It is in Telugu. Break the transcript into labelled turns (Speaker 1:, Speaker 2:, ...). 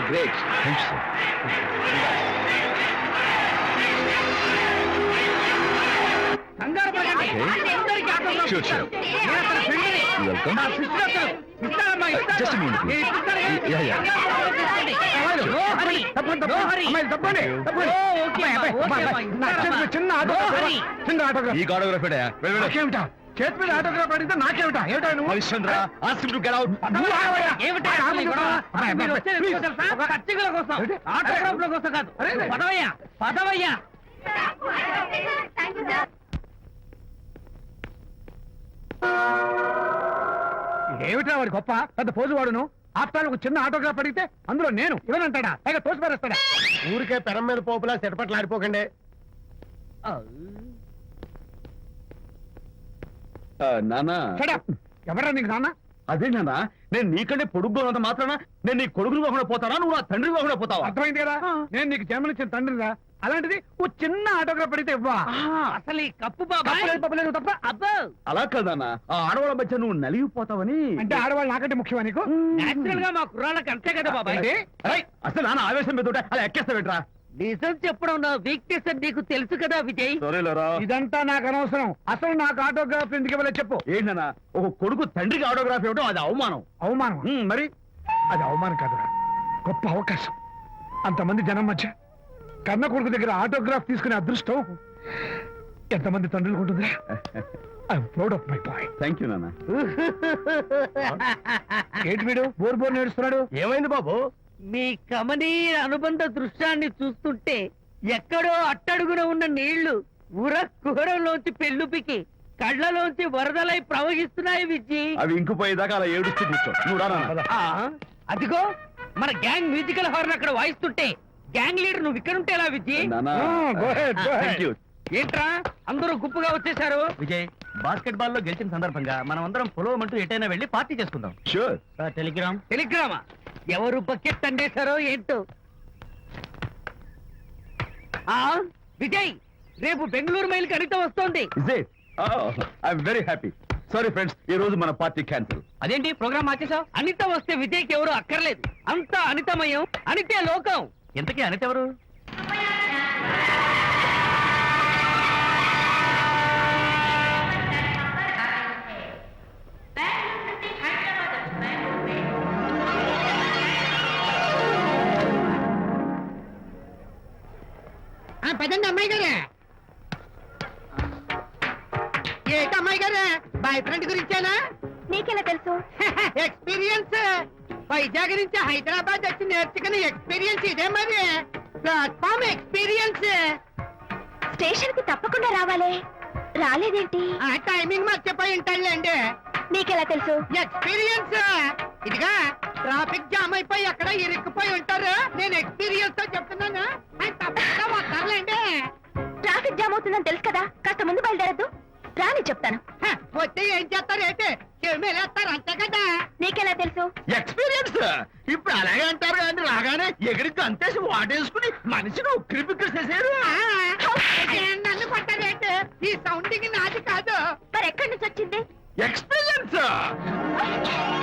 Speaker 1: Great. Thanks sir. Sure, sure. Welcome. Just a minute, please. Yeah, yeah. ఈ ఆటోగ్రాఫ్ చేతి మీద ఆటోగ్రాఫ్ అడిగితే నాకేమిటా? ఏమిటా నువ్వు? Harishchandra, ask him to get out. ఏమిటా వాడి గొప్ప పెద్ద పోజు వాడును? ఆఫ్టర్ ఒక చిన్న ఆటోగ్రాఫ్ అడిగితే అందులో నేను ఇవ్వనంటాడా? పైగా తోసి పారేస్తాడా? ఊరికే పెరం మీద పోపులా చెట్పట్లు ఆడిపోకండి. నానా ఎవరా నీకు నాన్న? అదే నాన్న, నేను నీకంటే పొడుగ్గా ఉన్నంత మాత్రాన నేను నీ కొడుకులు కాకుండా పోతానా? నువ్వు నా తండ్రి కాకుండా పోతావా? అర్థమైంది కదా, నేను నీకు జన్మనిచ్చిన తండ్రిరా. అలాంటిది ఓ చిన్న ఆటోగ్రాఫ్ అడిగితే ఇవ్వా?
Speaker 2: అసలు ఈ కప్పు బాబా
Speaker 1: తప్ప అబ్బా. అలా కదన్నా, ఆ ఆడవాళ్ళ మధ్య నువ్వు నలిగిపోతావని. అంటే ఆడవాళ్ళు నాకంటే ముఖ్యమా నీకు?
Speaker 2: నేచురల్ గా మా కుర్రాళ్ళకి అంతే కదా బాబాయ్.
Speaker 1: అసలు నాన్న ఆవేశం మీద అలా ఎక్కేస్తావేట్రా?
Speaker 2: నిజం చెప్పడం నా వీక్నెస్ అని నీకు తెలుసు కదా విజయ్.
Speaker 1: ఇదంతా నాకు అనవసరం. అసలు నాకు ఆటోగ్రాఫ్ ఎందుకు ఇవ్వలేదు చెప్పు. ఏంటన్నా, ఒక కొడుకు తండ్రికి ఆటోగ్రాఫ్ ఇవ్వడం అది అవమానం. అవమానం మరి అది అవమానం కాదురా, గొప్ప అవకాశం. అంతమంది జనం మధ్య కన్న కొడుకు దగ్గర ఆటోగ్రాఫ్ తీసుకునే అదృష్టం ఎంతమంది తండ్రులకు ఉంటుందిరా. I'm proud of my boy. Thank you నాన్న. ఏంటి వీడు బోర్ బోర్ నేడుస్తున్నాడు? ఏమైంది బాబు?
Speaker 2: మీ కమనీయ అనుబంధ దృశ్యాన్ని చూస్తుంటే ఎక్కడో అట్టడుగున ఉన్న నీళ్లు ఉర కుహరంలోంచి పెళ్ళుపికి కళ్ళలోంచి వరదలై ప్రవహిస్తున్నాయి విజ్జి.
Speaker 1: అవి ఇంకుపోయేదాకా అలా ఏడుస్తూ కూర్చో. నువ్వు రా నాన్న.
Speaker 2: అదిగో మన గ్యాంగ్ మ్యూజికల్ హార్న్ అక్కడ వాయిస్తుంటే గ్యాంగ్ లీడర్ నువ్వు ఇక్కడ ఉంటే ఎలా విజ్జి? ఏంట్రా అందరూ గుంపుగా వచ్చేసారు?
Speaker 3: విజయ్, బాస్కెట్ బాల్ లో గెలిచిన సందర్భంగా మనం అందరం పొలవమంటూ ఎటైనా వెళ్ళి పార్టీ చేసుకుందాం.
Speaker 1: షూర్.
Speaker 2: టెలిగ్రామా? ఎవరు బకెట్ అండేశారో ఏంటో. విజయ్, రేపు బెంగళూరు మైల్ కి అనిత వస్తోంది.
Speaker 1: I'm very happy. Sorry friends, ఈ రోజు మన పార్టీ క్యాన్సిల్.
Speaker 3: అదేంటి ప్రోగ్రామ్ మార్చేసావు?
Speaker 2: అనిత వస్తే విజయ్కి ఎవరు అక్కర్లేదు. అంతా అనితమయం, అనితే లోకం.
Speaker 3: ఎంతకీ అనిత ఎవరు?
Speaker 2: పదండి అమ్మాయి గారే. ఏంటి అమ్మాయి గారే, బాయ్ ఫ్రెండ్ గురించేనా?
Speaker 4: నీకెలా తెలుసు?
Speaker 2: ఎక్స్పీరియన్స్. వైజాగ్ నుంచి హైదరాబాద్ వచ్చి నేర్చుకునే ఎక్స్పీరియన్స్ ఇదే మరి. Platform experience.
Speaker 4: స్టేషన్ కి తప్పకుండా రావాలే, రాలేదేంటి?
Speaker 2: ఆ టైమింగ్ మర్చిపోయి ఉంటాడులేండి.
Speaker 4: నీకెలా తెలుసు?
Speaker 2: ఎక్స్పీరియన్స్. ఇదిగా ట్రాఫిక్ జామ్ అయిపోయి ఎక్కడ ఇరుక్కుపోయి ఉంటారు. నేను ఎక్స్పీరియన్స్ తో చెప్తున్నాను. తప్పకుండా వస్తారులేండి.
Speaker 4: ట్రాఫిక్ జామ్ అవుతుందని తెలుసు కదా, కాస్త ముందు బయలుదేరద్దు. రాని చెప్తాను.
Speaker 2: వస్తే ఏం చేస్తారు ఏంటి? చెమేలేస్తారు అంతే కదా.
Speaker 4: నీకెలా తెలుసు?
Speaker 1: ఎక్స్పీరియన్స్. ఇప్పుడు అలాగే అంటారు కానీ రాగానే ఎగిరికి అంతేసి వాటేసుకుని మనిషిని ఉక్కిరి బిక్కిరి చేశారు.
Speaker 2: నన్ను కొట్టారేంటి? ఈ సౌండింగ్ నాది కాదు.
Speaker 4: మరి ఎక్కడి నుంచి వచ్చింది?
Speaker 1: ఎక్స్పీరియన్స్.